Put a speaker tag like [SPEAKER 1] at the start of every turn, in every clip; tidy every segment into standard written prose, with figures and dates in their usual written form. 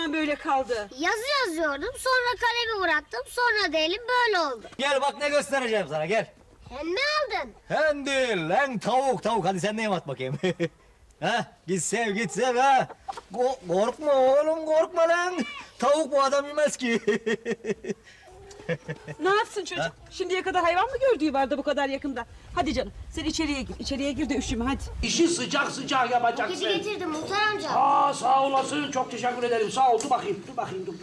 [SPEAKER 1] parmağın böyle kaldı?
[SPEAKER 2] Yazı yazıyordum, sonra kalemi bıraktım, sonra da elim böyle oldu.
[SPEAKER 3] Gel bak ne göstereceğim sana, gel.
[SPEAKER 2] Hem ne aldın?
[SPEAKER 3] Hem değil lan, tavuk. Hadi sen de yem at bakayım. Ha, git sev ha. Korkma oğlum, korkma lan. Tavuk bu adam yemez ki.
[SPEAKER 1] Ne yapsın çocuk? Şimdiye kadar hayvan mı gördüğü vardı bu kadar yakında? Hadi canım sen içeriye gir. İçeriye gir de üşüme hadi.
[SPEAKER 4] İşi sıcak yapacaksın.
[SPEAKER 2] Paketi getirdim Muhtar amca.
[SPEAKER 4] Sağ olasın. Çok teşekkür ederim. Sağ ol. Dur bakayım. Dur.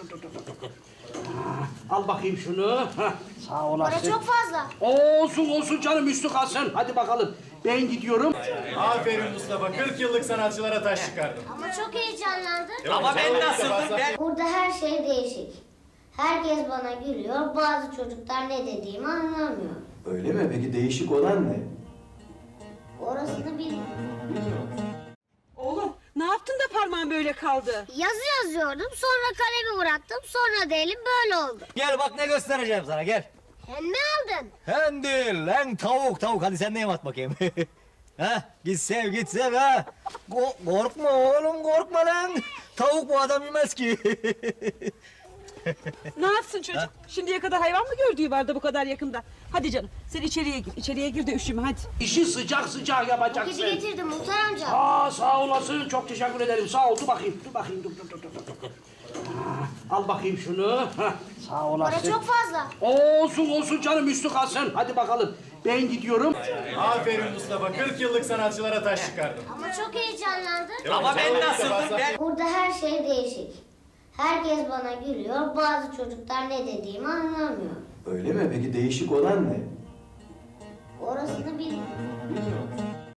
[SPEAKER 4] Al bakayım şunu. Sağ olasın.
[SPEAKER 2] Para çok fazla.
[SPEAKER 4] Olsun canım, üstü kalsın. Hadi bakalım. Ben gidiyorum.
[SPEAKER 5] Aferin Mustafa, 40 yıllık sanatçılara taş çıkardın.
[SPEAKER 2] Ama çok heyecanlandım.
[SPEAKER 3] Ama ben nasıldım ben?
[SPEAKER 2] Burada her şey değişik. Herkes bana gülüyor, bazı çocuklar ne dediğimi anlamıyor.
[SPEAKER 5] Öyle mi? Peki değişik olan ne?
[SPEAKER 2] Orasını bilmiyorum.
[SPEAKER 1] Oğlum ne yaptın da parmağın böyle kaldı?
[SPEAKER 2] Yazı yazıyordum, sonra kalemi bıraktım, sonra da elim böyle oldu.
[SPEAKER 3] Gel bak ne göstereceğim sana, gel.
[SPEAKER 2] Hem ne aldın?
[SPEAKER 3] Hem değil lan, tavuk. Hadi sen de yem at bakayım. Ha, git sev ha. Korkma oğlum, korkma lan. Tavuk bu adam yemez ki.
[SPEAKER 1] Ne yapsın çocuk? Şimdiye kadar hayvan mı gördüğü vardı bu kadar yakında? Hadi canım sen içeriye gir. İçeriye gir de üşüme hadi.
[SPEAKER 4] İşi sıcak yapacaksın.
[SPEAKER 2] Paketi getirdim Muhtar amca.
[SPEAKER 4] Sağ olasın. Çok teşekkür ederim. Sağ ol. Dur bakayım. Dur. Al bakayım şunu. Sağ olasın.
[SPEAKER 2] Para çok fazla.
[SPEAKER 4] Olsun canım, üstü kalsın. Hadi bakalım. Ben gidiyorum.
[SPEAKER 5] Aferin Mustafa, 40 yıllık sanatçılara taş çıkardın.
[SPEAKER 2] Ama çok heyecanlandım.
[SPEAKER 3] Ama ben nasıldım ben?
[SPEAKER 2] Burada her şey değişik. Herkes bana gülüyor, bazı çocuklar ne dediğimi anlamıyor.
[SPEAKER 5] Öyle mi? Peki değişik olan ne?
[SPEAKER 2] Orasını bilmiyorum.